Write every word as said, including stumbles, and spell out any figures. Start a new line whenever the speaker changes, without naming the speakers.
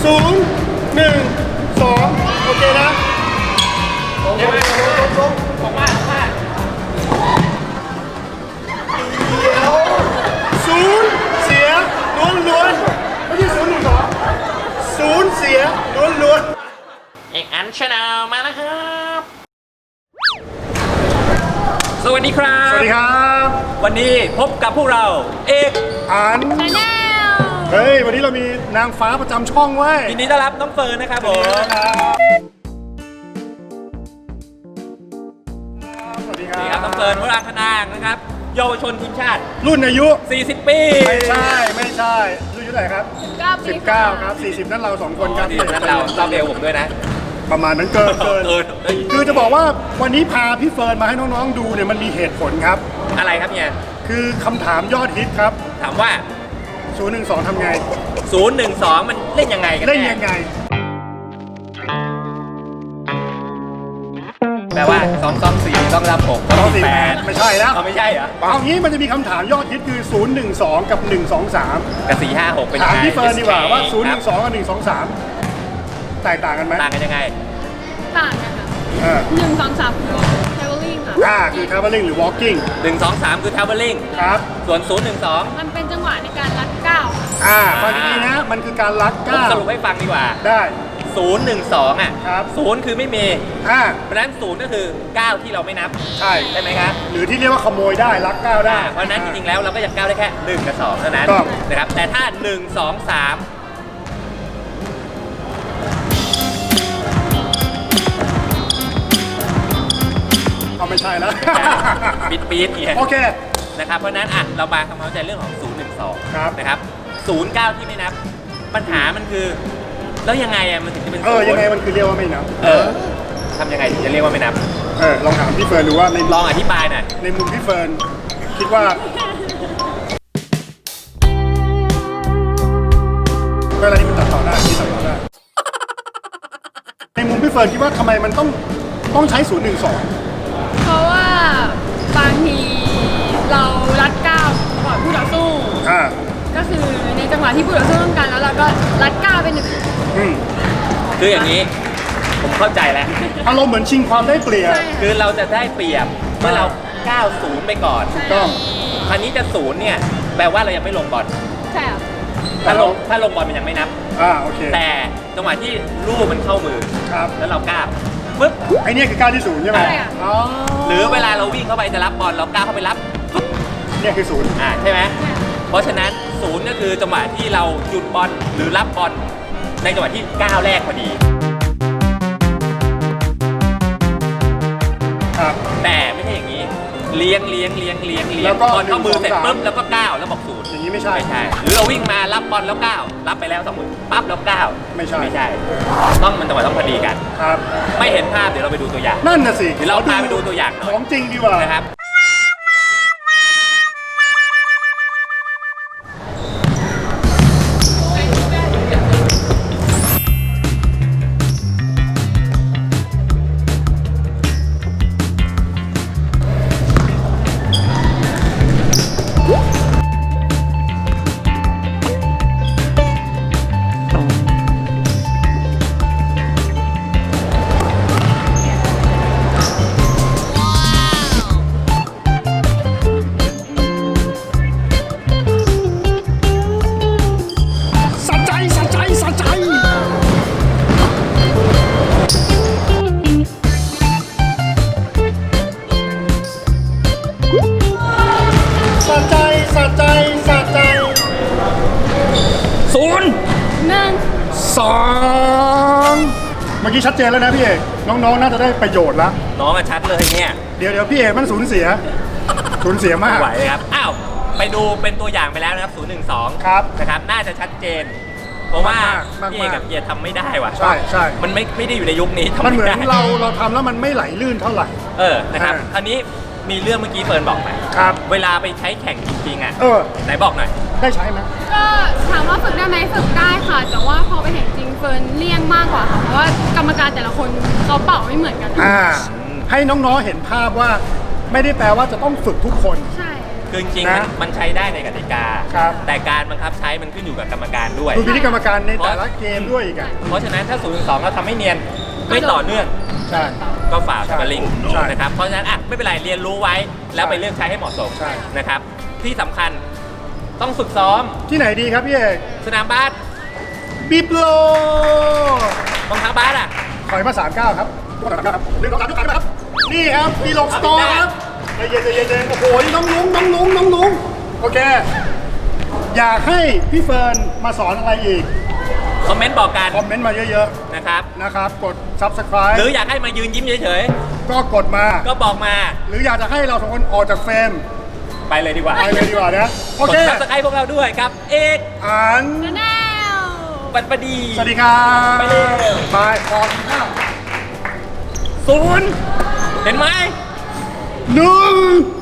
ศูนย์หนึ่งสองโอเคนะลงลงลงลงออกมาออกมาศูนย์เสียล้วนล้วนไม่ใช่ศูนย์หนึ่งสองศูนย์เสียล้วนล้วน
เอกอันชาแนลมาแล้วครับสวัสดีครับ
สวัสดีครับ
วันนี้พบกับพวกเราเอก
อันชาแนลเฮ้ยวันนี้เรามีนางฟ้าประจำช่องไว้
ยินดีต้อนรับน้องเฟิร์นนะครับผม
สวัสดีครับ
นี่ครับน้องเฟิร์นวราคณางนะครับเยาวชนทีมชาติ
รุ่นอายุ
สี่สิบปี
ไม่ใช่ไม่ใช่รุ่นอายุเท่าไหร่ครับสิบเก้าครับสี่สิบนั่นเราสองคนครับ
สี่สิบนั่นเราเราเร็วผมด้วยนะ
ประมาณนั้นเกินเกินคือจะบอกว่าวันนี้พาพี่เฟิร์นมาให้น้องๆดูเนี่ยมันมีเหตุผลครับ
อะไรครับเนี่ย
คือคำถามยอดฮิตครับ
ถามว่า
ศูนย์หนึ่งสองทำไง
ศูนย์หนึ่งสองมันเล่นยังไงกัน
เล่นยังไง
แปลว่าสองสองสี่ต้องรับหกต้องสี่แปด
ไม่ใช่แล้ว
ไม่ใช่เหรอ
เอางี้มันจะมีคำถามยอดฮิตคือศูนย์หนึ่งสองกับหนึ่งสองสาม
กับสี่ห้าหกเป็นยัง
ไงถามพี่เฟิร์นดีกว่าว่าศูนย์ห
นึ่
งสองกับหนึ่งสองสามแตกต่างกันไหม
ต่างกันยังไง
ต่างกันค่ะหนึ่งสองสามคือ traveling ค่ะ
อ่าคือ traveling หรือ walking
หนึ่งสองสามคือ traveling
ครับ
ส่วนศูนย์หนึ่งสอง
มันเป็นจังหวะในการลัดก้าว
อ่าฟังดีๆนะมันคือการลัดก้าว
สรุปให้ฟังดีกว่า
ได้
ศูนย์หนึ่งสองอ่ะ
ครับ
ศูนย์คือไม่มี
อ่า
เพราะนั้นศูนย์ก็คือก้าวที่เราไม่นับ
ใช่
ใช่ไหมครับ
หรือที่เรียกว่าขโมยได้ลักก้าวได้
เพราะนั้นจริงๆแล้วเราก็จะก้าวได้แค่หนึ่งกับสองเท่านั้นนะครับแต่ถ้าหนึ่งสองสาม
เอาไม่ใช่แล้ว
ปิดปีดเนี่ย
โอเค
นะครับเพราะนั้นอ่ะเรามาทำความเข้าใจเรื่องของศูนย์หนึ่งสองนะครับศูนย์เก้าที่ไม่นับปัญหามันคือแล้วยังไงอ่ะมันถึงจะเป็น
เออยังไงมันคือเรียกว่าไม่นับ
เออทำยังไงถึงจะเรียกว่าไม่นับ
เออลองถามพี่เฟิร์นดูว่าใน
ลองอธิบายหน่อย
ในมุมพี่เฟิร์นคิดว่าเวลาที่มันตัดต่อได้ที่ตัดต่อได้ในมุมพี่เฟิร์นคิดว่าทำไมมันต้องต้องใช้ศูนย์หนึ่งสอง
เพราะว่าบางทีเราลัดก้าวก่อนผู้ต่อสู้
อ่า
ก็คือในจังหวะที่ผู้ต่อสู้ต้องการแล้วเราก็ลัดก้าวไปหนึ่ง
คืออย่างนี้ผมเข้าใจแล้ว
อารมณ์เหมือนชิงความได้เปรียบ
คือเราจะได้เปรียบเมื่อเราก้าวศูนย์ไปก่อน
ต้อง
คราวนี้จะศูนย์เนี่ยแปลว่าเรายังไม่ลงบอล
ใช่ค่ะ
ถ้าลงถ้าลงบอลมันยังไม่นับ
อ่าโอเค
แต่จังหวะที่ลูกมันเข้ามือ
ครับ
แล้วเราก้าวปึ๊บ
ไอเนี่ยคือก้าวที่ศูนย์ใช่ไหม
อ๋อ
หรือเวลาเราวิ่งเข้าไปจะรับบอลเราก้าวเข้าไปรับ
เนี่ยคือศูนย์
อ่าใช่ไหมเพราะฉะนั้นศูนย์ก็คือจังหวะที่เราหยุดบอลหรือรับบอลในจังหวะที่ก้าวแรกพอดี
ครับ
แต่ไม่ใช่อย่างนี้เลี้ยงเลี้ยงเลี้ยงเลี้ยงเลี้ยงบอลเข้ามือเสร็จปุ๊บแล้วก็ก้าวแล้วบอกศูนย์
อย่างนี้ไม่ใช่
ไม่ใช่หรือเราวิ่งมารับบอลแล้วก้าวรับไปแล้วสองมือปั๊บแล้วก้าว
ไม่ใช่
ไม่ใช่ต้องมันจังหวะต้องพอดีกัน
ครับ
ไม่เห็นภาพเดี๋ยวเราไปดูตัวอย่าง
นั่นน่ะสิ
เดี๋ยวเราพาไปดูตัวอย่างหน่อย
ของจริงดีกว่า
นะครับ
สองเมื่อกี้ชัดเจนแล้วนะพี่เอกน้องๆน่าจะได้ประโยชน์แล้ว
น้องมาชัดเลยเนี่ย
เดี๋ยวเดี๋ยวพี่เอกมันสูญเสียสูญเสียมาก
ไหวครับอ้าวไปดูเป็นตัวอย่างไปแล้วนะครับศูนย์หนึ่งสอง
ครับ
นะครับน่าจะชัดเจนเพราะว่าพี่เอกกับเฮียทำไม่ได้ว่ะ
ใช่ใช่
มันไม่ไม่ได้อยู่ในยุคนี้
มันเหมือนเราเราทำแล้วมันไม่ไหลลื่นเท่าไหร่
เออนะครับคราวนี้มีเรื่องเมื่อกี้เฟิร์นบอกไป
ครับ
เวลาไปใช้แข่งจริงๆอ่ะ
เออ
ไหนบอกหน่อย
ได้ใช้ไหม
ก็ถามว่าฝึกได้ไหมฝึกได้ค่ะแต่ว่าพอไปแข่งจริงเฟิร์นเลี่ยงมากกว่าค่ะเพราะว่ากรรมการแต่ละคนเขาเป่าไม่เหมือนกัน
อ่าให้น้องๆเห็นภาพว่าไม่ได้แปลว่าจะต้องฝึกทุกคน
ใช่
คคือจริงๆมัน
นะ
มันใช้ได้ในกติกา
ครับ
แต่การบังคับใช้มันขึ้นอยู่กับกรรมการด้วย
ดูพิธีกรรมการในแต่ละเกมด้วยอีกอ่ะ
เพราะฉะนั้นถ้าศูนย์สองเราทำไม่เนียนไม่ต่อเนื่อง
ใช่
ก็ฝ่าสปาริง
ใช่
นะครับเพราะฉะนั้นอ่ะไม่เป็นไรเรียนรู้ไว้แล้วไปเลือกใช้ให้เหมาะสม
ใช่
นะครับที่สำคัญต้องฝึกซ้อม
ที่ไหนดีครับพี่เอก
สนามบาส
บิบโล
รองเท้าบาสอ่ะ
ถอยมาสามเก้าครับสามเก้าครับหนึ่งสองสามยกขาขึ้นมาครับ นี่ครับมีลงสตอร์ครับใจเย็นใจเย็นใจเย็นโอ้โหนี่น้องลุงน้องลุงน้องลุงโอเค อยากให้พี่เฟิร์นมาสอนอะไรอีก
คอมเมนต์บอกกัน
คอมเมนต์มาเยอะ
นะครับ
ๆ นะครับ กด Subscribe
หรืออยากให้มายืนยิ้มเฉย
ก็กดมา
ๆ ก็บอกมา
หรืออยากจะให้เราสองคนออกจากเฟรม
ไปเลยดีกว่า
ไปเลยดีกว่านะ โอก
ด
เค
ซับสไครต์พวกเราด้วยครับ เอก
อ่าน
แนว
ปันปดี
สวัสดีครับ
ไปเร็ว
บายพอกินข้าว
ศูนย์เห็นไหม
หนึ่ง